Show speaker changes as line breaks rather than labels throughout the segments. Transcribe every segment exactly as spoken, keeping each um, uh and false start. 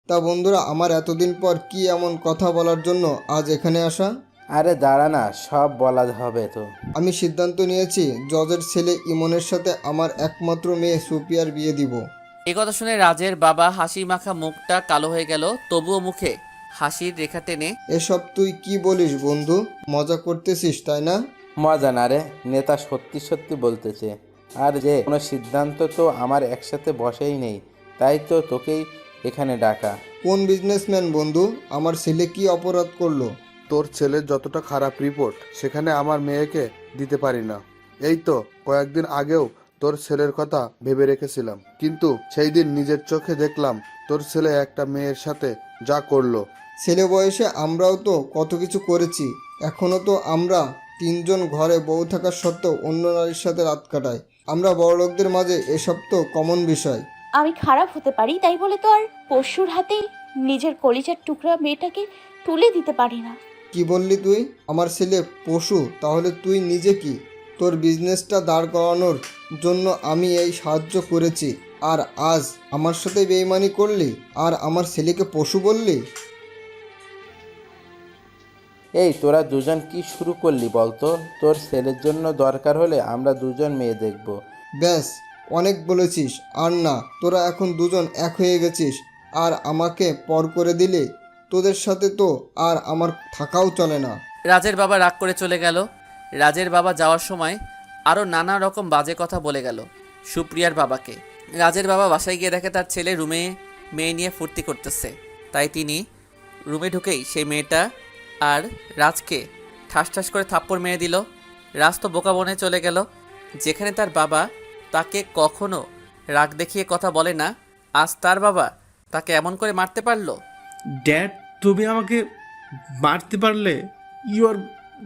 তা বন্ধুরা, আমার এতদিন পর কি এমন কথা বলার জন্য আজ এখানে আসা?
আরে দাঁড়া না, সব বলা হবে তো।
আমি সিদ্ধান্ত নিয়েছি জজের ছেলে ইমনের সাথে আমার একমাত্র মেয়ে সুপিয়ার বিয়ে দিব।
এ কথা শুনে রাজের বাবা হাসি মাখা মুখটা কালো হয়ে গেল, তবুও মুখে হাসির রেখা টেনে,
এসব তুই কি বলিস বন্ধু? মজা করতেছিস তাই না?
মজা না রে, নেতা সত্যি সত্যি বলতেছে। আর যে কোনো সিদ্ধান্ত তো আমার একসাথে বসেই নেই, তাই তো তোকেই এখানে ডাকা।
কোন বিজনেসম্যান বন্ধু? আমার ছেলে কি অপরাধ করলো?
তোর ছেলের যতটা খারাপ রিপোর্ট সেখানে আমার মেয়েকে দিতে পারি না। এই তো কয়েকদিন আগেও তোর ছেলের কথা ভেবে রেখেছিলাম, কিন্তু সেই দিন নিজের চোখে দেখলাম তোর ছেলে একটা মেয়ের সাথে যা করলো।
ছেলে বয়সে আমরাও তো কত কিছু করেছি। এখনও তো আমরা তিনজন ঘরে বউ থাকা সত্ত্বেও অন্য নারীর সাথে রাত কাটাই। আমরা বড়লোকদের মাঝে এসব তো কমন বিষয়।
আমি খারাপ হতে পারি, তাই বলে তো আর পশুর হাতে নিজের কলিজার টুকরা মেয়েটাকে তুলে দিতে পারি না।
কি বললি তুই? আমার ছেলে পশু? তাহলে তুই নিজে কি? তোর বিজনেসটা দাঁড় করানোর জন্য আমি এই সাহায্য করেছি, আর আজ আমার সাথে বেইমানি করলি আর আমার ছেলেকে পশু বললি?
এই তোরা দুজন কি শুরু করলি বলতো? তোর ছেলের জন্য দরকার হলে আমরা দুজন মেয়ে দেখব।
ব্যাস, অনেক বলেছিস। আর না, তোরা এখন দুজন এক হয়ে গেছিস আর আমাকে পর করে দিলে। তোদের সাথে তো আর আমার থাকাও চলে না।
রাজের বাবা রাগ করে চলে গেল। রাজের বাবা যাওয়ার সময় আরও নানা রকম বাজে কথা বলে গেল সুপ্রিয়ার বাবাকে। রাজের বাবা বাসায় গিয়ে দেখে তার ছেলে রুমে মেয়ে নিয়ে ফুর্তি করতেছে। তাই তিনি রুমে ঢুকেই সেই মেয়েটা আর রাজকে ঠাস ঠাস করে থাপ্পড় মেরে দিল। রাজ তো বোকা বনে চলে গেল। যেখানে তার বাবা তাকে কখনো রাগ দেখিয়ে কথা বলে না, আজ তার বাবা তাকে এমন করে মারতে পারলো।
ড্যাড, তুমি আমাকে মারতে পারলে? You are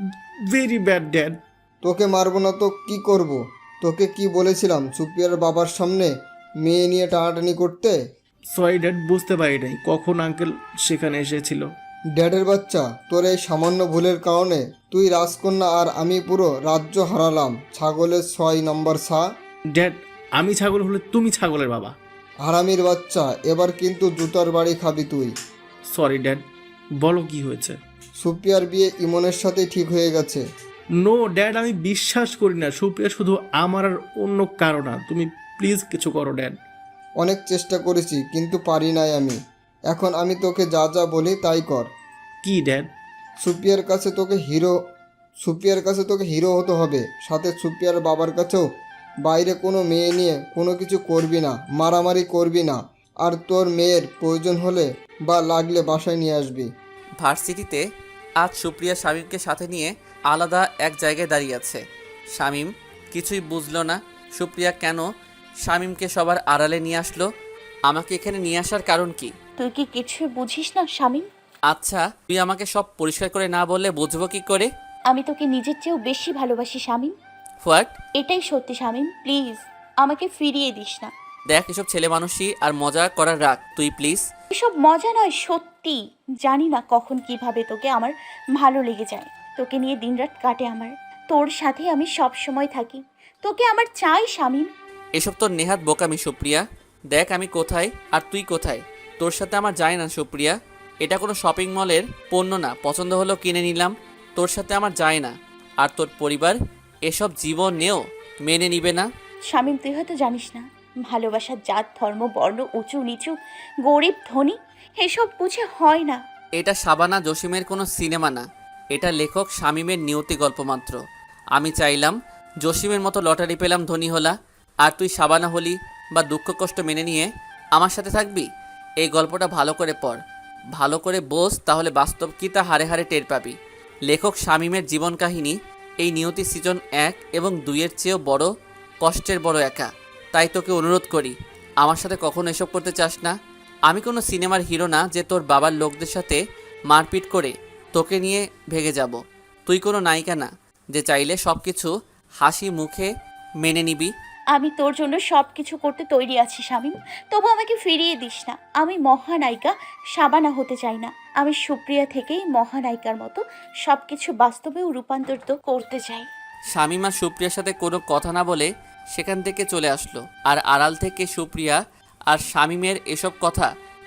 very bad dad.
তোকে মারবো না তো কি করব? তোকে কি বলেছিলাম সুপিয়ার বাবার সামনে মেয়ে নিয়ে টানাটানি করতে?
সরি ড্যাড, বুঝতে পারি নাই কখন আঙ্কেল সেখানে এসেছিল।
ড্যাডের বাচ্চা, তোর এই সামান্য ভুলের কারণে তুই রাজকন্যা আর আমি পুরো রাজ্য হারালাম। ছাগলের ছয় নম্বর ছা।
ড্যাড, আমি ছাগল হলে তুমি ছাগলের বাবা।
হারামির বাচ্চা, এবার কিন্তু জুতার বাড়ি খাবি তুই।
সরি ড্যাড, বলো কি হয়েছে?
সুপিয়ার বিয়ে ইমনের সাথে ঠিক হয়ে গেছে।
নো ড্যাড, আমি বিশ্বাস করি না। সুপ্রিয়া শুধু আমার আর অন্য কারো না। তুমি প্লিজ কিছু করো ড্যাড।
অনেক চেষ্টা করেছি কিন্তু পারি নাই আমি। এখন আমি তোকে যা যা বলি তাই কর।
কি ড্যাড?
সুপিয়ার কাছে তোকে হিরো সুপিয়ার কাছে তোকে হিরো হতে হবে। সাথে সুপিয়ার বাবার কাছেও বাইরে কোনো মেয়ে নিয়ে কোনো কিছু করবি না, মারামারি করবি না। আর তোর মেয়ের প্রয়োজন হলে বা লাগলে বাসায় নিয়ে আসবি।
ভার্সিটিতে আজ সুপ্রিয়া শামীমকে সাথে নিয়ে আলাদা এক জায়গায় দাঁড়িয়ে আছে। শামীম কিছুই বুঝলো না সুপ্রিয়া কেন শামীমকে সবার আড়ালে নিয়ে আসলো। আমাকে এখানে নিয়ে আসার কারণ কি?
তুই কি কিছু বুঝিস না শামীম?
আচ্ছা, তুই আমাকে সব পরিষ্কার করে না বললে বুঝবো কি করে?
আমি তোকে নিজের চেয়েও বেশি ভালোবাসি শামীম।
হোয়াট?
এটাই সত্যি শামীম, প্লিজ আমাকে ফিরিয়ে দিস না।
দেখ, এসব ছেলে মানুষই আর মজা করার রাখ, তুই প্লিজ।
এসব মজা নয়, সত্যি। জানি না কখন কিভাবে তোকে আমার ভালো লেগে যায়। তোকে নিয়ে দিনরাত কাটে আমার। তোর সাথে আমি সব সময় থাকি। তোকে আমার চাই শামীম।
এসব তোর নেহাত বোকামি সুপ্রিয়া। দেখ আমি কোথায় আর তুই কোথায়, তোর সাথে আমার যায় না সুপ্রিয়া। এটা কোনো শপিং মলের পণ্য না, পছন্দ হলো কিনে নিলাম। তোর সাথে আমার যায় না। আর তোর পরিবার এসব জীবনেও মেনে নিবে না।
শামীম, তুই হয়তো জানিস না, ভালোবাসার জাত ধর্ম বর্ণ উঁচু নিচু গরিব ধনী এসব বুঝে হয় না।
এটা শাবানা জসিমের কোনো সিনেমা না, এটা লেখক শামীমের নিয়তি গল্প মাত্র। আমি চাইলাম জসিমের মতো লটারি পেলাম, ধনী হলা, আর তুই শাবানা হলি বা দুঃখ কষ্ট মেনে নিয়ে আমার সাথে থাকবি। এই গল্পটা ভালো করে পড়, ভালো করে বোঝ, তাহলে বাস্তব কী তা হারে হারে টের পাবি। লেখক শামীমের জীবন কাহিনী এই নিয়তি সিজন এক এবং দুইয়ের চেয়েও বড় কষ্টের বড় একা। তাই তোকে অনুরোধ করি, আমার সাথে কখনো এসব করতে চাস না। আমি কোনো সিনেমার হিরো না যে তোর বাবার লোকদের সাথে মারপিট করে তোকে নিয়ে ভেগে যাব। তুই কোনো নায়িকা না যে চাইলে সব কিছু হাসি মুখে মেনে নিবি।
আমি তোর জন্য সব কিছু করতে তৈরি আছি শামীম, তবু আমাকে ফিরিয়ে দিস না। আমি মহানায়িকা শাবানা হতে চাই না। আমি সুপ্রিয়া থেকেই মহানায়িকার মতো সব কিছু বাস্তবেও রূপান্তরিত করতে চাই।
শামীম আর সুপ্রিয়ার সাথে কোনো কথা না বলে সেখান থেকে চলে আসলো। আর আড়াল থেকে সুপ্রিয়া আর শামীমের এসব কথা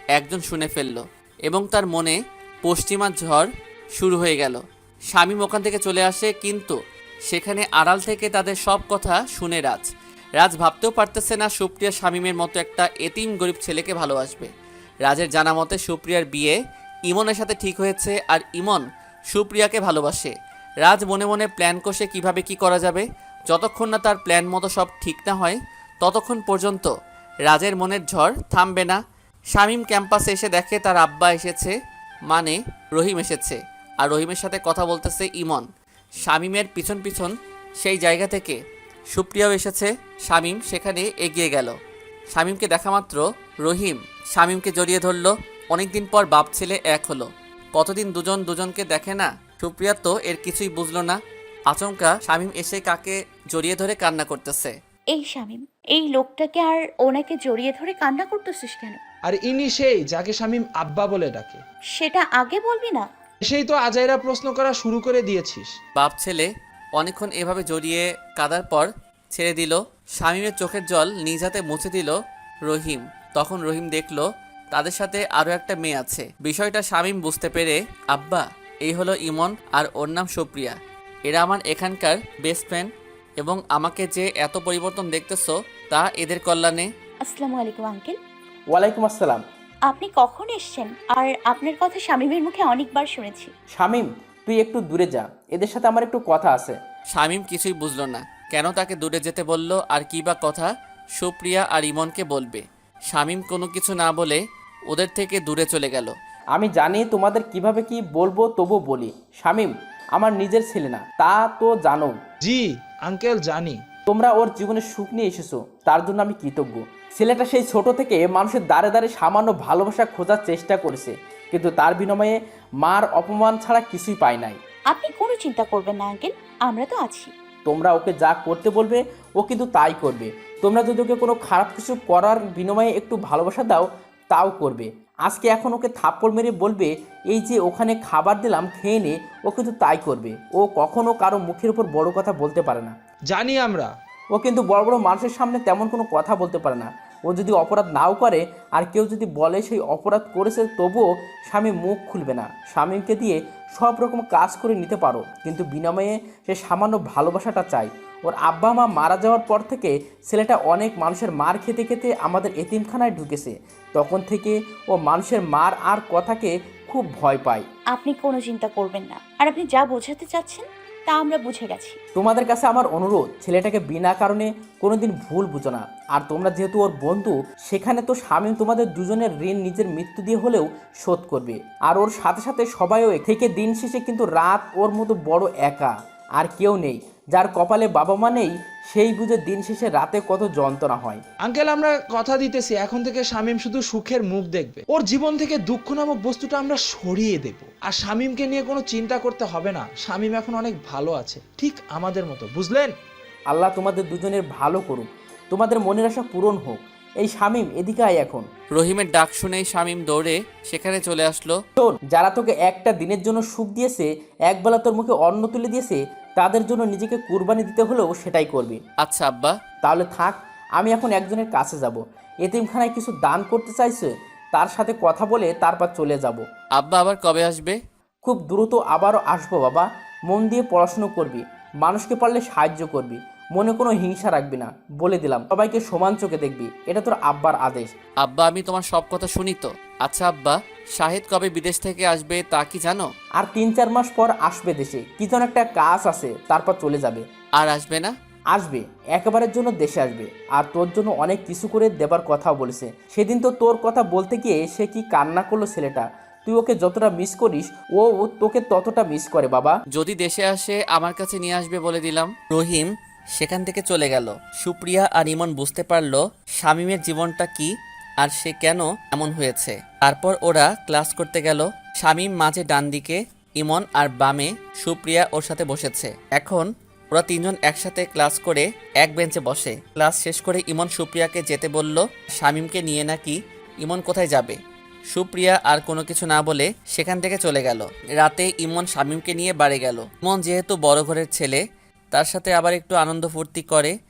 একজন শুনে ফেলল এবং তার মনে পশ্চিমা ঝড় শুরু হয়ে গেল। শামীম ওখান থেকে চলে আসে, কিন্তু সেখানে আড়াল থেকে তাদের সব কথা শুনে রাজ রাজ ভাবতেও পারতেছে না সুপ্রিয়া শামীমের মতো একটা এতিম গরিব ছেলেকে ভালোবাসবে। রাজের জানা মতে সুপ্রিয়ার বিয়ে ইমনের সাথে ঠিক হয়েছে, আর ইমন সুপ্রিয়াকে ভালোবাসে। রাজ মনে মনে প্ল্যান কষে কিভাবে কি করা যাবে। যতক্ষণ না তার প্ল্যান মতো সব ঠিক না হয় ততক্ষণ পর্যন্ত রাজের মনের ঝড় থামবে না। শামীম ক্যাম্পাসে এসে দেখে তার আব্বা এসেছে, মানে রহিম এসেছে, আর রহিমের সাথে কথা বলতেছে ইমন। শামীমের পিছন পিছন সেই জায়গা থেকে সুপ্রিয়াও এসেছে। শামীম সেখানে এগিয়ে গেল। শামীমকে দেখা মাত্র রহিম শামীমকে জড়িয়ে ধরল। অনেকদিন পর বাপ ছেলে এক হলো। কতদিন দুজন দুজনকে দেখে না। সুপ্রিয়া তো এর কিছুই বুঝলো না। আচমকা শামীম এসে কাকে জড়িয়ে ধরে কান্না করতেছে।
এই শামীম, এই লোকটাকে আর ওনাকে জড়িয়ে ধরে কান্না করতেছিস কেন?
আর ইনি সেই যাকে শামীম আব্বা বলে ডাকে।
সেটা আগে বলবি না?
সেই তো আজাইরা প্রশ্ন করা শুরু করে দিয়েছিস।
বাপ ছেলে অনেকক্ষণ এভাবে জড়িয়ে কাঁদার পর ছেড়ে দিল। শামীমের চোখের জল নিজ হাতে মুছে দিল রহিম। তখন রহিম দেখল তাদের সাথে আরও একটা মেয়ে আছে। বিষয়টা শামীম বুঝতে পেরে, আব্বা এই হলো ইমন আর ওর নাম সুপ্রিয়া। এরা আমার এখানকার বেস্ট ফ্রেন্ড, এবং আমাকে যে এত পরিবর্তন দেখতেছো তা এদের কল্যাণে।
আসসালামু আলাইকুম আঙ্কেল।
ওয়ালাইকুম আসসালাম।
আপনি কখন এসেছেন? আর আপনার কথা শামীমের মুখে অনেকবার শুনেছি।
শামীম, তুই একটু দূরে যা, এদের সাথে আমার একটু কথা আছে।
শামীম কিছুই বুঝল না, কেন তাকে দূরে যেতে বলল, আর কী বা কথা সুপ্রিয়া আর ইমনকে বলবে। শামীম কোনো কিছু না বলে ওদের থেকে দূরে চলে গেল।
আমি জানি তোমাদের কিভাবে কি বলবো, তবু বলি। শামীম আমার নিজের ছেলে না, তা তো জানো।
জি আঙ্কেল জানি।
তোমরা ওর জীবনে সুখ নিয়ে এসেছো, তার জন্য আমি কৃতজ্ঞ। ছেলেটা সেই ছোট থেকে মানুষের দ্বারে দ্বারে সামান্য ভালোবাসা খোঁজার চেষ্টা করেছে, কিন্তু তার বিনিময়ে মার অপমান ছাড়া কিছুই পায় নাই।
আপনি কোনো চিন্তা করবেন না আঙ্কেল, আমরা তো আছি।
তোমরা ওকে যা করতে বলবে ও কিন্তু তাই করবে। তোমরা যদি ওকে কোনো খারাপ কিছু করার বিনিময়ে একটু ভালোবাসা দাও, তাও করবে। আজকে এখন ওকে থাপ্পড় মেরে বলবে এই যে ওখানে খাবার দিলাম খেয়ে নে, ও কিন্তু তাই করবে। ও কখনো কারো মুখের উপর বড় কথা বলতে পারে না।
জানি আমরা।
ও কিন্তু বড় বড় মানুষের সামনে তেমন কোনো কথা বলতে পারে না। ও যদি অপরাধ নাও করে আর কেউ যদি বলে সেই অপরাধ করেছে, তবুও স্বামী মুখ খুলবে না। স্বামীকে দিয়ে সব রকম কাজ করে নিতে পারো, কিন্তু বিনিময়ে সে সামান্য ভালোবাসাটা চাই। ওর আব্বা মা মারা যাওয়ার পর থেকে ছেলেটা অনেক মানুষের মার খেতে খেতে আমাদের এতিমখানায় ঢুকেছে। তখন থেকে ও মানুষের মার আর কথাকে খুব ভয় পায়।
আপনি কোনো চিন্তা করবেন না, আর আপনি যা বোঝাতে চাচ্ছেন তা আমরা বুঝে গেছি।
তোমাদের কাছে আমার অনুরোধ, ছেলেটাকে বিনা কারণে কোনোদিন ভুল বুঝো না। আর তোমরা যেহেতু ওর বন্ধু, সেখানে তো স্বামী তোমাদের দুজনের ঋণ নিজের মৃত্যু দিয়ে হলেও শোধ করবে। আর ওর সাথে সাথে সবাইও থেকে দিন শেষে কিন্তু রাত ওর মতো বড় একা আর কেউ নেই। যার কপালে বাবা মা নেই, সেই বুঝে দিন শেষে রাতে কত যন্ত্রণা হয়।
আঙ্কেল আমরা কথা দিতেছি, এখন থেকে শামীম শুধু সুখের মুখ দেখবে। ওর জীবন থেকে দুঃখ নামক বস্তুটা আমরা সরিয়ে দেব। আর শামীমকে নিয়ে কোনো চিন্তা করতে হবে না। শামীম এখন অনেক ভালো আছে, ঠিক আমাদের মতো, বুঝলেন?
আল্লাহ তোমাদের দুজনের ভালো করুক, তোমাদের মনের আশা পূরণ হোক। এই শামীম এদিকে আয় এখন।
রহিমের ডাক শুনেই শামীম দৌড়ে সেখানে চলে আসলো।
শোন, যারা তোকে একটা দিনের জন্য সুখ দিয়েছে, একবেলা তোর মুখে অন্ন তুলে দিয়েছে, তাদের জন্য নিজেকে কুরবানি দিতে হলেও সেটাই করবি।
আচ্ছা আব্বা।
তাহলে থাক, আমি এখন একজনের কাছে যাব। এতিমখানায় কিছু দান করতে চাইছে, তার সাথে কথা বলে তারপর চলে যাব।
আব্বা আবার কবে আসবে?
খুব দ্রুত আবারও আসবো বাবা। মন দিয়ে পড়াশুনো করবি, মানুষকে পারলে সাহায্য করবি, মনে কোনো হিংসা রাখবি না, বলে দিলাম। সবাইকে সমান চোখে দেখবি, এটা তোর আব্বার আদেশ।
আব্বা আমি তোমার সব কথা শুনি তো। আচ্ছা আব্বা, শাহিদ কবে বিদেশ থেকে আসবে তা কি জানো?
আর তিন চার মাস পর আসবে দেশে, কি যেন একটা কাজ আছে, তারপর চলে যাবে।
আর আসবে না?
আসবে, একেবারের জন্য দেশে আসবে। আর তোর জন্য অনেক কিছু করে দেবার কথাও বলেছে। সেদিন তো তোর কথা বলতে গিয়ে সে কি কান্না করলো ছেলেটা। তুই ওকে যতটা মিস করিস, ও তোকে ততটা মিস করে বাবা।
যদি দেশে আসে আমার কাছে নিয়ে আসবে বলে দিলাম। রহিম সেখান থেকে চলে গেল। সুপ্রিয়া আর ইমন বুঝতে পারলো শামীমের জীবনটা কি আর সে কেন এমন হয়েছে। তারপর ওরা ক্লাস করতে গেল। শামীম মাঝে ডান দিকে, ইমন আর বামে সুপ্রিয়া ওর সাথে বসেছে। এখন ওরা তিনজন একসাথে ক্লাস করে এক বেঞ্চে বসে। ক্লাস শেষ করে ইমন সুপ্রিয়াকে যেতে বলল। শামীমকে নিয়ে নাকি ইমন কোথায় যাবে। সুপ্রিয়া আর কোনো কিছু না বলে সেখান থেকে চলে গেল। রাতে ইমন শামীমকে নিয়ে বাড়ি গেল। ইমন যেহেতু বড় ঘরের ছেলে, তার সাথে আবার একটু আনন্দ ফুর্তি করে।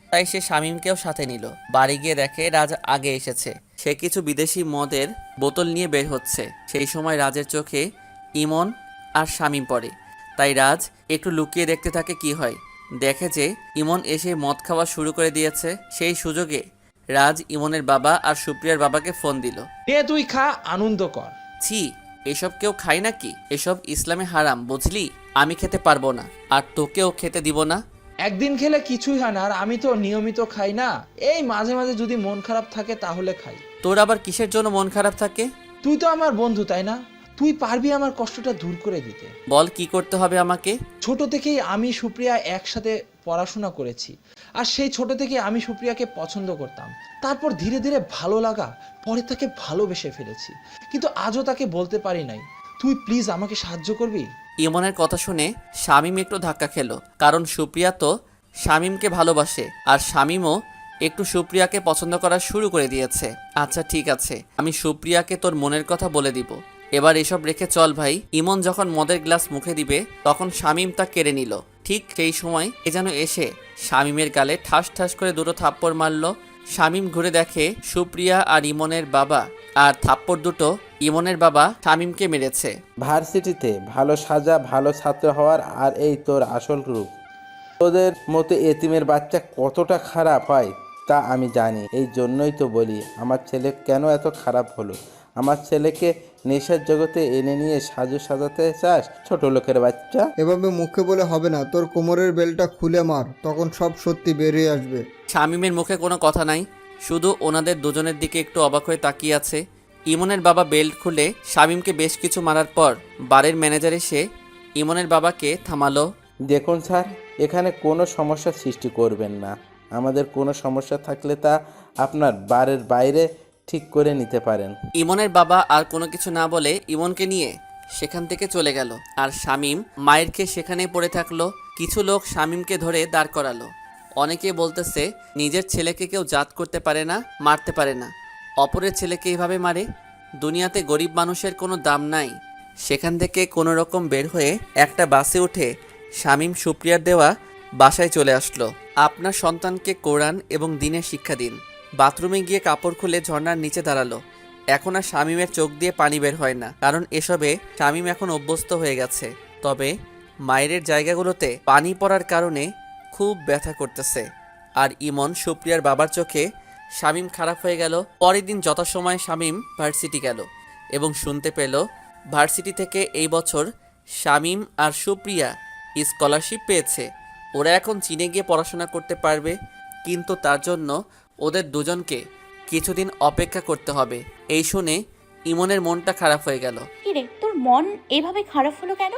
তাই সে শামীমকেও সাথে নিল। বাড়ি গিয়ে দেখে রাজ আগে এসেছে। সে কিছু বিদেশি মদের বোতল নিয়ে বের হচ্ছে। সেই সময় রাজের চোখে ইমন আর শামীম পড়ে। তাই রাজ একটু লুকিয়ে দেখতে থাকে কি হয়। দেখে যে ইমন এসে মদ খাওয়া শুরু করে দিয়েছে। সেই সুযোগে রাজ ইমনের বাবা আর সুপ্রিয়ার বাবাকে ফোন দিল।
নে তুই খা, আনন্দ কর।
ছি, এসব কেউ খায় নাকি? এসব ইসলামে হারাম, বুঝলি? আমি খেতে পারবো না, আর তোকেও খেতে দিব না।
একদিন খেলে কিছুই হয় না, আর আমি তো নিয়মিত খাই না। এই মাঝে মাঝে যদি মন খারাপ থাকে তাহলে খাই।
তোর আবার কিসের জন্য মন খারাপ থাকে?
তুই তো আমার বন্ধু, তাই না? তুই পারবি আমার কষ্টটা দূর করে দিতে।
বল, কি করতে হবে আমাকে?
ছোট থেকেই আমি সুপ্রিয়া একসাথে পড়াশোনা করেছি, আর সেই ছোট থেকে আমি সুপ্রিয়াকে পছন্দ করতাম। তারপর ধীরে ধীরে ভালো লাগা, পরে তাকে ভালোবেসে ফেলেছি, কিন্তু আজও তাকে বলতে পারি নাই। তুই প্লিজ আমাকে সাহায্য করবি?
ইমনের কথা শুনে শামীম একটু ধাক্কা খেলো, কারণ সুপ্রিয়া তো শামীমকে ভালোবাসে, আর শামীমও একটু সুপ্রিয়াকে পছন্দ করা শুরু করে দিয়েছে। আচ্ছা ঠিক আছে, আমি সুপ্রিয়াকে তোর মনের কথা বলে দিব। এবার এসব রেখে চল ভাই। ইমন যখন মদের গ্লাস মুখে দিবে তখন শামীম তা কেড়ে নিল। ঠিক সেই সময় এ যেন এসে শামীমের গালে ঠাস ঠাস করে দুটো থাপ্পড় মারল। শামীম ঘুরে দেখে সুপ্রিয়া আর ইমনের বাবা, আর থাপ্পড় দুটো ইমনের বাবা শামীমকে মেরেছে।
ভার্সিটিতে ভালো সাজা, ভালো ছাত্র হওয়ার, আর এই তোর আসল রূপ। তোদের মতো এতিমের বাচ্চা কতটা খারাপ হয় তা আমি জানি। এই জন্যই তো বলি আমার ছেলে কেন এত খারাপ হলো। আমার ছেলেকে নেশার জগতে এনে নিয়ে সাজু সাজাতে চাস, ছোট লোকের বাচ্চা।
এভাবে মুখে বলে হবে না, তোর কোমরের বেলটা খুলে মার, তখন সব সত্যি বেরিয়ে আসবে।
শামীমের মুখে কোনো কথা নাই, শুধু ওনাদের দুজনের দিকে একটু অবাক হয়ে তাকিয়ে আছে। ইমনের বাবা বেল্ট খুলে শামীমকে বেশ কিছু মারার পর বারের ম্যানেজার এসে ইমনের বাবাকে থামালো।
দেখুন স্যার, এখানে কোনো সমস্যা সৃষ্টি করবেন না। আমাদের কোনো সমস্যা থাকলে তা আপনার বারের বাইরে ঠিক করে নিতে পারেন।
ইমনের বাবা আর কোনো কিছু না বলে ইমনকে নিয়ে সেখান থেকে চলে গেল, আর শামীম মায়ের খেয়ে সেখানেই পড়ে থাকলো। কিছু লোক শামীমকে ধরে দাঁড় করালো। অনেকে বলতেছে নিজের ছেলেকে কেউ জাত করতে পারে না, মারতে পারে না, অপরের ছেলেকে এইভাবে মারে। দুনিয়াতে গরিব মানুষের কোনো দাম নাই। সেখান থেকে কোনো রকম বের হয়ে একটা বাসে উঠে শামীম সুপ্রিয়ার দেওয়া বাসায় চলে আসলো। আপনার সন্তানকে কোরআন এবং দ্বীনের শিক্ষা দিন। বাথরুমে গিয়ে কাপড় খুলে ঝর্ণার নিচে দাঁড়ালো। এখন আর শামীমের চোখ দিয়ে পানি বের হয় না, কারণ এসবে শামীম এখন অভ্যস্ত হয়ে গেছে। তবে মায়ের জায়গাগুলোতে পানি পড়ার কারণে খুব ব্যথা করতেছে। আর ইমন সুপ্রিয়ার বাবার চোখে শামীম খারাপ হয়ে গেল। পরের দিন যথাসময়ে শামীম ভার্সিটি গেল এবং শুনতে পেল ভার্সিটি থেকে এই বছর শামীম আর সুপ্রিয়া স্কলারশিপ পেয়েছে। ওরা এখন চীনে গিয়ে পড়াশোনা করতে পারবে, কিন্তু তার জন্য ওদের দুজনকে কিছুদিন অপেক্ষা করতে হবে। এই শুনে ইমনের মনটা খারাপ হয়ে গেল।
কিরে, তোর মন এভাবে খারাপ হলো কেন?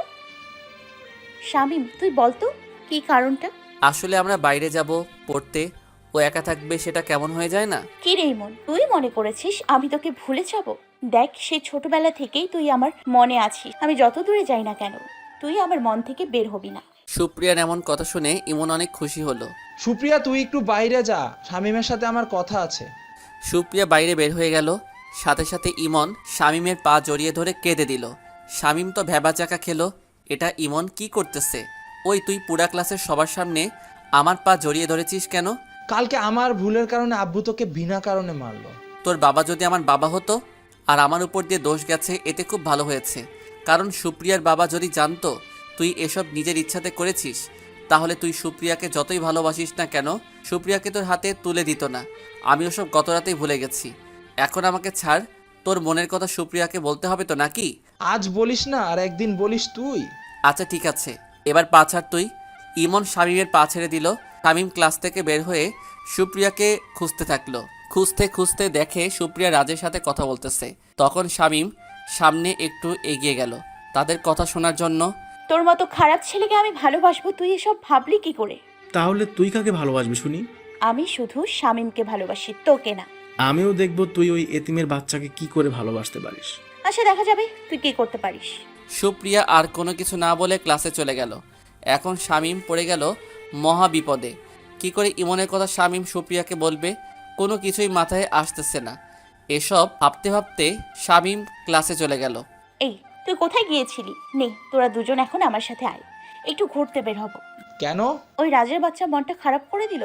শামীম, তুই বল তো কি কারণটা?
আসলে আমরা বাইরে যাব পড়তে, ও একা থাকবে, সেটা কেমন হয়ে যায় না?
কি রে মন, তুই মনে করেছিস আমি তোকে ভুলে যাব? দেখ, সেই ছোটবেলা থেকেই তুই আমার মনে আছিস। আমি যত দূরে যাই না কেন, তুই আমার মন থেকে বের হবি না।
সুপ্রিয়ার এমন কথা শুনে ইমন অনেক খুশি হলো।
সুপ্রিয়া, তুই একটু বাইরে যা, শামীমের সাথে আমার কথা আছে।
সুপ্রিয়া বাইরে বের হয়ে গেল। সাথে সাথে ইমন শামীমের পা জড়িয়ে ধরে কেঁদে দিল। শামীম তো ভ্যাবা চাকা খেলো, এটা ইমন কি করতেছে? ওই তুই পুরা ক্লাসের সবার সামনে আমার পা জড়িয়ে ধরেছিস কেন?
কালকে আমার ভুলের কারণে আব্বু তোকে বিনা কারণে মারলো।
তোর বাবা যদি আমার বাবা হতো আর আমার উপর দিয়ে দোষ গেছে, এতে খুব ভালো হয়েছে। কারণ সুপ্রিয়ার বাবা যদি জানতো তুই এসব নিজের ইচ্ছাতে করেছিস, তাহলে তুই সুপ্রিয়াকে যতই ভালোবাসিস না কেন, সুপ্রিয়াকে তোর হাতে তুলে দিত না। আমি ওসব গত রাতেই ভুলে গেছি। এখন আমাকে ছাড়, তোর মনের কথা সুপ্রিয়াকে বলতে হবে তো নাকি?
আজ বলিস না, আর একদিন বলিস তুই।
আচ্ছা ঠিক আছে, এবার পা ছাড় তুই। ইমন শামীমের পা ছেড়ে দিল। শামীম ক্লাস থেকে বের হয়ে সুপ্রিয়াকে খুঁজতে থাকলো। খুঁজতে খুঁজতে দেখে সুপ্রিয়া রাজের সাথে কথা বলতেছে। তখন শামীম সামনে একটু এগিয়ে গেল তাদের কথা শোনার জন্য।
তোর মতো খারাপ ছেলেকে আমি ভালোবাসবো, তুই এসব ভাবলি কি করে?
তাহলে তুই কাকে ভালোবাসবি শুনি?
আমি শুধু শামীমকে ভালোবাসি, তোকে না।
আমিও দেখবো তুই ওই এতিমের বাচ্চাকে কি করে ভালোবাসতে পারিস।
আচ্ছা, দেখা যাবে তুই কি করতে পারিস।
সুপ্রিয়া আর কোনো কিছু না বলে ক্লাসে চলে গেল। এখন শামীম পড়ে গেল মহা বিপদে। কি করে ইমনের কথা শামীম সুপ্রিয়াকে বলবে, কোনো কিছুই মাথায় আসতেছে না। এসব ভাবতে ভাবতে শামীম ক্লাসে চলে গেল।
এই, তুই কোথায় গিয়েছিলি? নে, তোরা দুজন এখন আমার সাথে আয়, একটু ঘুরতে বের হব।
কেন?
ওই রাজের বাচ্চা মনটা খারাপ করে দিল।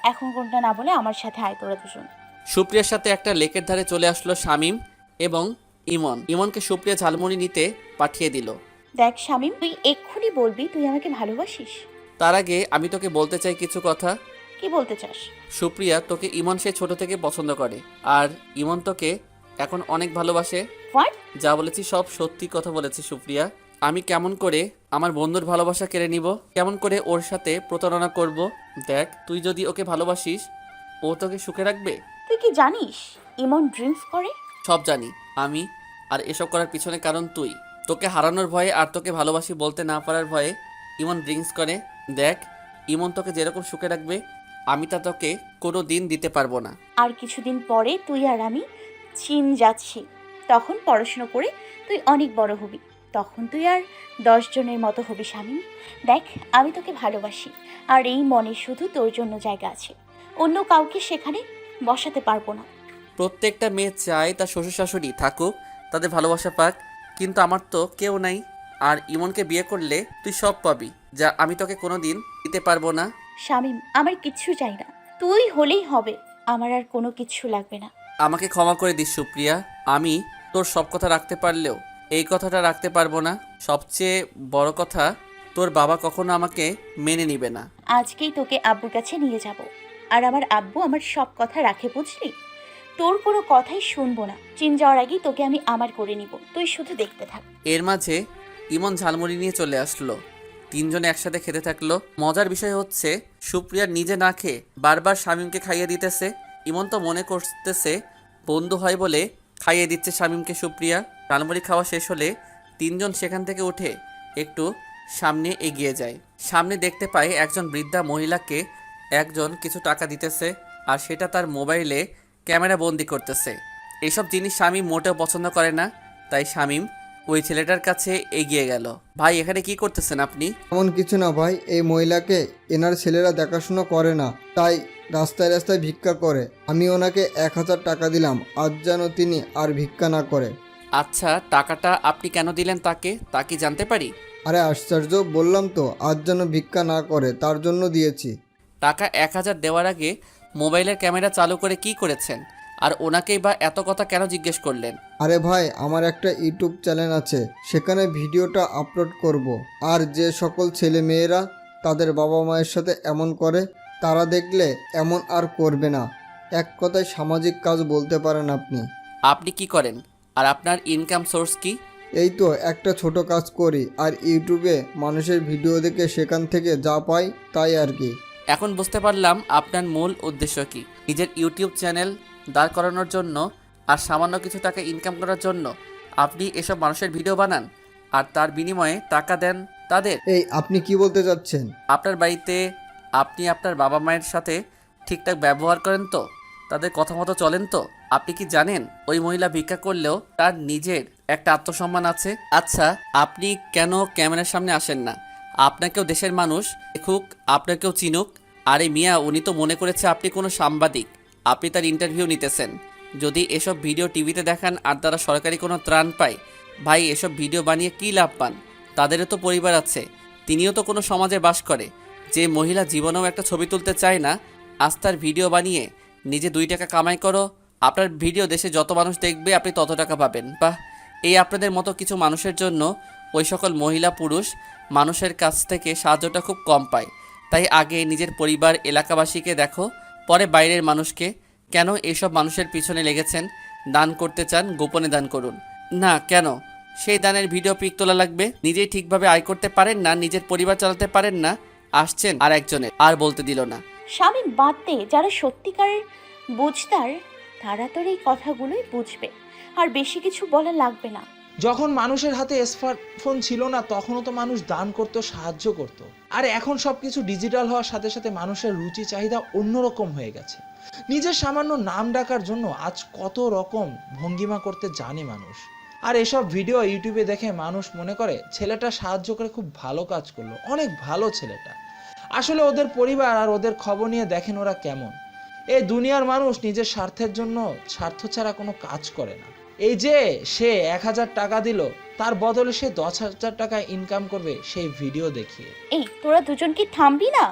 এখন কোনটা না বলে আমার সাথে আয় তোরা দুজন।
সুপ্রিয়ার সাথে একটা লেকের ধারে চলে আসলো শামীম এবং ইমন। ইমনকে সুপ্রিয়া ঝালমুড়ি নিতে পাঠিয়ে দিল।
দেখ শামীম, তুই এক্ষুনি বলবি তুই আমাকে ভালোবাসিস।
তার আগে আমি তোকে বলতে চাই কিছু কথা।
কি বলতে চাস?
সুপ্রিয়া, তোকে ইমন সে ছোট থেকে পছন্দ করে, আর ইমন তোকে এখন অনেক ভালোবাসে।
হোয়াট?
যা বলেছি সব সত্যি কথা বলেছি সুপ্রিয়া। আমি কেমন করে আমার বন্ধুর ভালোবাসা কেড়ে নিব, কেমন করে ওর সাথে প্রতারণা করব? দেখ, তুই যদি ওকে ভালোবাসিস ও তোকে সুখে রাখবে।
তুই কি জানিস ইমন ড্রিঙ্কস করে?
সব জানি আমি, আর এসব করার পিছনে কারণ তুই। তোকে হারানোর ভয়ে আর তোকে ভালোবাসি বলতে না পারার ভয়ে ইমন ড্রিঙ্কস করে। দেখ, ইমন তোকে যেরকম সুখে রাখবে আমি তা তোকে কোনো দিন দিতে পারবো না।
আর কিছুদিন পরে তুই আর আমি চীন যাচ্ছি, তখন পড়াশুনো করে তুই অনেক বড় হবি, তখন তুই আর দশ জনের মতো হবি শামীম। দেখ, আমি তোকে ভালোবাসি, আর এই মনে শুধু তোর জন্য জায়গা আছে, অন্য কাউকে সেখানে বসাতে পারবো না।
প্রত্যেকটা মেয়ে চায় তার শ্বশুর শাশুড়ি থাকুক, তাদের ভালোবাসা পাক, কিন্তু আমার তো কেউ নাই। আর ইমনকে বিয়ে করলে তুই সব পাবি, যা আমি তোকে কোনো দিন দিতে পারবো না।
শামীম, আমার কিচ্ছু চাই না, তুই হলেই হবে, আমার আর কোনো কিচ্ছু লাগবে না।
আমাকে ক্ষমা করে দিস সুপ্রিয়া, আমি তোর সব কথা রাখতে পারলেও এই কথাটা রাখতে পারবো না। সবচেয়ে বড় কথা, তোর বাবা কখনো আমাকে মেনে নিবে না।
আজকেই তোকে আব্বুর কাছে নিয়ে যাব, আর আমার আব্বু আমার সব কথা রাখে, বুঝলি? তোর কোনো কথাই শুনবো না। চীন যাওয়ার আগেই তোকে আমি আমার করে নিব, তুই শুধু দেখতে থাক।
এর মাঝে ইমন ঝালমুড়ি নিয়ে চলে আসলো। তিনজনে একসাথে খেতে থাকলো। মজার বিষয় হচ্ছে সুপ্রিয়া নিজে না খেয়ে বারবার শামীমকে খাইয়ে দিতেছে। ইমন তো মনে করতেছে বন্ধু হয় বলে খাইয়ে দিচ্ছে শামীমকে সুপ্রিয়া। ঝালমুড়ি খাওয়া শেষ হলে তিনজন সেখান থেকে উঠে একটু সামনে এগিয়ে যায়। সামনে দেখতে পায় একজন বৃদ্ধা মহিলাকে একজন কিছু টাকা দিতেছে, আর সেটা তার মোবাইলে ক্যামেরা বন্দি করতেছে। এসব জিনিস শামীম মোটেও পছন্দ করে না, তাই শামীম ওই ছেলেটার কাছে এগিয়ে গেল। ভাই, এখানে কি করতেছেন আপনি?
এমন কিছু না ভাই, এই মহিলাকে এনার ছেলেরা দেখাশোনা করে না, তাই রাস্তায় রাস্তায় ভিক্ষা করে। আমি ওনাকে এক হাজার টাকা দিলাম, আজ যেন তিনি আর ভিক্ষা না করে।
আচ্ছা, টাকাটা আপনি কেন দিলেন তাকে, তা কি জানতে পারি?
আরে আশ্চর্য, বললাম তো আজ যেন ভিক্ষা না করে, তার জন্য দিয়েছি।
টাকা এক হাজার দেওয়ার আগে মোবাইলের ক্যামেরা চালু করে কি করেছেন, আর ওনাকেই বা এত কথা কেন জিজ্ঞেস করলেন?
আরে ভাই, আমার একটা ইউটিউব চ্যানেল আছে, সেখানে ভিডিওটা আপলোড করব। আর যে সকল ছেলে মেয়েরা তাদের বাবা মায়ের সাথে এমন করে, তারা দেখলে এমন আর করবে না। এক কথায় সামাজিক কাজ বলতে পারেন আপনি।
আপনি কি করেন, আর আপনার ইনকাম সোর্স কি?
এই তো একটা ছোট কাজ করি, আর ইউটিউবে মানুষের ভিডিও দেখে সেখান থেকে যা পাই তাই আর কি।
এখন বুঝতে পারলাম আপনার মূল উদ্দেশ্য কি। নিজের ইউটিউব চ্যানেল দাঁড় করানোর জন্য আর সামান্য কিছু টাকা ইনকাম করার জন্য আপনি এসব মানুষের ভিডিও বানান, আর তার বিনিময়ে টাকা দেন তাদের।
এই আপনি কি বলতে চাচ্ছেন?
আপনার বাড়িতে আপনি আপনার বাবা মায়ের সাথে ঠিকঠাক ব্যবহার করেন তো, তাদের কথা মতো চলেন তো? আপনি কি জানেন ওই মহিলা ভিক্ষা করলেও তার নিজের একটা আত্মসম্মান আছে? আচ্ছা, আপনি কেন ক্যামেরার সামনে আসেন না? আপনাকেও দেশের মানুষ দেখুক, আপনাকেও চিনুক। আরে মিয়া, উনি তো মনে করেছে আপনি কোনো সাংবাদিক, আপনি তার ইন্টারভিউ নিতেছেন। যদি এসব ভিডিও টিভিতে দেখান আর তারা সরকারি কোনো ত্রাণ পায়, ভাই এসব ভিডিও বানিয়ে কী লাভ পান? তাদেরও তো পরিবার আছে, তিনিও তো কোনো সমাজে বাস করে। যে মহিলা জীবনেও একটা ছবি তুলতে চায় না, আজ তার ভিডিও বানিয়ে নিজে দুই টাকা কামাই করো। আপনার ভিডিও দেশে যত মানুষ দেখবে আপনি তত টাকা পাবেন। বাহ, এই আপনাদের মতো কিছু মানুষের জন্য ওই সকল মহিলা পুরুষ মানুষের কাছ থেকে সাহায্যটা খুব কম পায়। তাই আগে নিজের পরিবার এলাকাবাসীকে দেখো, পরে বাইরের মানুষকে। কেন এইসব মানুষের পিছনে লেগেছেন? দান করতে চান, গোপনে দান করুন না। কেন সেই দানের ভিডিও পিক তোলা লাগবে? নিজেই ঠিকভাবে আয় করতে পারেন না, নিজের পরিবার চালাতে পারেন না, আসছেন আর একজনের। আর বলতে দিল না।
শামীম, বাদ দে, যারা সত্যিকারের বুঝতার তারা তোর এই কথাগুলোই বুঝবে, আর বেশি কিছু বলা লাগবে না।
যখন মানুষের হাতে স্মার্টফোন ছিল না তখনও তো মানুষ দান করতো, সাহায্য করত। আর এখন সবকিছু ডিজিটাল হওয়ার সাথে সাথে মানুষের রুচি চাহিদা অন্যরকম হয়ে গেছে। নিজের সামান্য নাম ডাকার জন্য আজ কত রকম ভঙ্গিমা করতে জানে মানুষ। আর এসব ভিডিও ইউটিউবে দেখে মানুষ মনে করে ছেলেটা সাহায্য করে খুব ভালো কাজ করলো, অনেক ভালো ছেলেটা। আসলে ওদের পরিবার আর ওদের খবর নিয়ে দেখেন ওরা কেমন। এই দুনিয়ার মানুষ নিজের স্বার্থের জন্য স্বার্থ ছাড়া কোনো কাজ করে না। এই যে সে এক হাজার টাকা দিল, তার বদলে সে দশ হাজার টাকা ইনকাম করবে সেই ভিডিও দেখিয়ে।
এই তোরা দুজন কি থামবি না?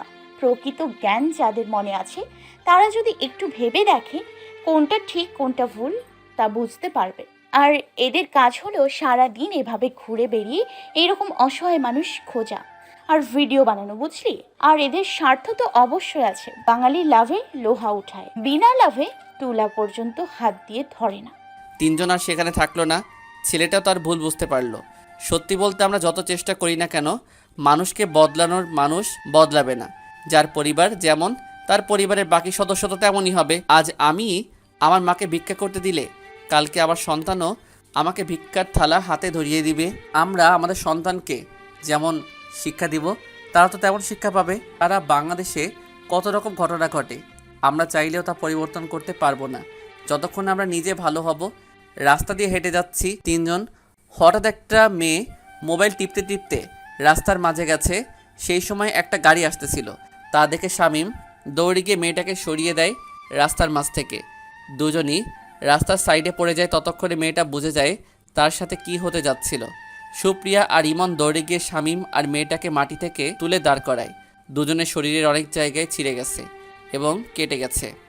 প্রকৃত জ্ঞান যাদের মনে আছে তারা যদি একটু ভেবে দেখে কোনটা ঠিক কোনটা ভুল তা বুঝতে পারবে। আর এদের কাজ হলো সারা দিন এভাবে ঘুরে বেরিয়ে এরকম অসহায় মানুষ খোঁজা আর ভিডিও বানানো, বুঝলি? আর এদের স্বার্থ তো অবশ্যই আছে। বাঙালি লাভে লোহা উঠায়, বিনা লাভে তুলা পর্যন্ত হাত দিয়ে ধরে না।
তিনজন আর সেখানে থাকলো না। ছেলেটাও তার ভুল বুঝতে পারলো। সত্যি বলতে আমরা যত চেষ্টা করি না কেন, মানুষকে বদলানোর মানুষ বদলাবে না। যার পরিবার যেমন, তার পরিবারের বাকি সদস্য তো তেমনই হবে। আজ আমি আমার মাকে ভিক্ষা করতে দিলে কালকে আমার সন্তানও আমাকে ভিক্ষার থালা হাতে ধরিয়ে দিবে। আমরা আমাদের সন্তানকে যেমন শিক্ষা দিব, তারা তো তেমন শিক্ষা পাবে। তারা বাংলাদেশে কত রকম ঘটনা ঘটে, আমরা চাইলেও তা পরিবর্তন করতে পারবো না যতক্ষণ আমরা নিজে ভালো হব। রাস্তা দিয়ে হেঁটে যাচ্ছি তিনজন, হঠাৎ একটা মেয়ে মোবাইল টিপতে টিপতে রাস্তার মাঝে গেছে। সেই সময় একটা গাড়ি আসতেছিল, তা দেখে শামীম দৌড়ে গিয়ে মেয়েটাকে সরিয়ে দেয় রাস্তার মাঝ থেকে। দুজনই রাস্তার সাইডে পড়ে যায়। ততক্ষণে মেয়েটা বুঝে যায় তার সাথে কি হতে যাচ্ছিল। সুপ্রিয়া আর ইমন দৌড়ে গিয়ে শামীম আর মেয়েটাকে মাটি থেকে তুলে দাঁড় করায়। দুজনের শরীরের অনেক জায়গায় ছিঁড়ে গেছে এবং কেটে গেছে।